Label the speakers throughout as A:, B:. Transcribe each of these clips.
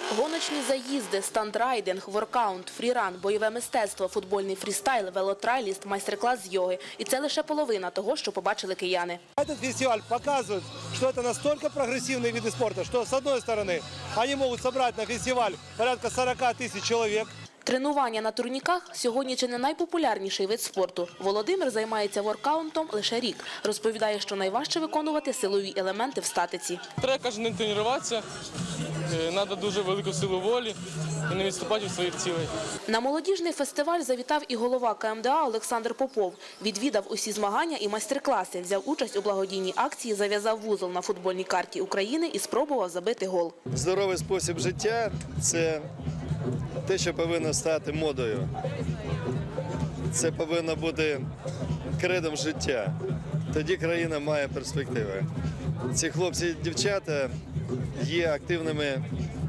A: Гоночні заїзди, стандрайдинг, воркаут, фріран, бойове мистецтво, футбольний фрістайл, велотрайліст, майстер-клас з йоги. І це лише половина того, що побачили кияни.
B: Этот фестиваль показывает, что это настолько прогрессивные виды спорта, что с одной стороны они могут собрать на фестиваль порядка 40 тысяч человек.
A: Тренування на турніках сьогодні чи не найпопулярніший вид спорту. Володимир займається воркаутом лише рік. Розповідає, що найважче виконувати силові елементи в статиці.
C: Треба кожен день тренуватися, треба дуже велику силу волі і не відступати від своїх цілей.
A: На молодіжний фестиваль завітав і голова КМДА Олександр Попов. Відвідав усі змагання і майстер-класи, взяв участь у благодійній акції, зав'язав вузол на футбольній карті України і спробував забити гол.
D: Здоровий спосіб життя – це те, що повинно стати модою. Це повинно бути кредом життя. Тоді країна має перспективи. Ці хлопці і дівчата є активними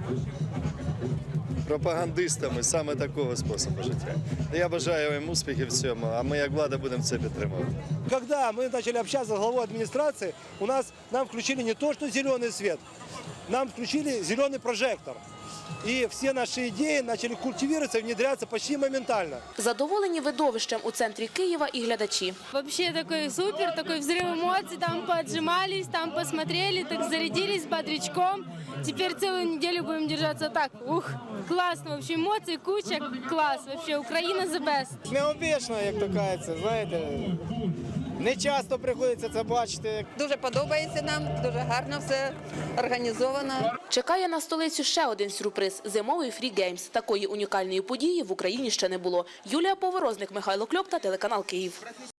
D: пропагандистами саме такого способу життя. Я бажаю їм успіхів в цьому, а ми як влада будемо це підтримувати.
B: Когда мы начали общаться с главой администрации, нам включили не то, что зеленый свет, нам включили зеленый прожектор. И все наши идеи начали культивироваться и внедряться почти моментально.
A: Задоволені видовищем у центрі Києва і глядачі.
E: Вообще такой супер, такой взрыв эмоций, там поотжимались, там посмотрели, так зарядились бодрячком. Теперь целую неделю будем держаться так. Ух, классно, вообще эмоций куча, класс, вообще Украина the best.
F: Необічно, як то кажеться, знаєте, не часто приходиться це бачити.
G: Дуже подобається нам, дуже гарно все організовано.
A: Чекає на столицю ще один сюрприз – зимовий фрі-геймс. Такої унікальної події в Україні ще не було. Юлія Поворозник, Михайло Кльопта, телеканал «Київ».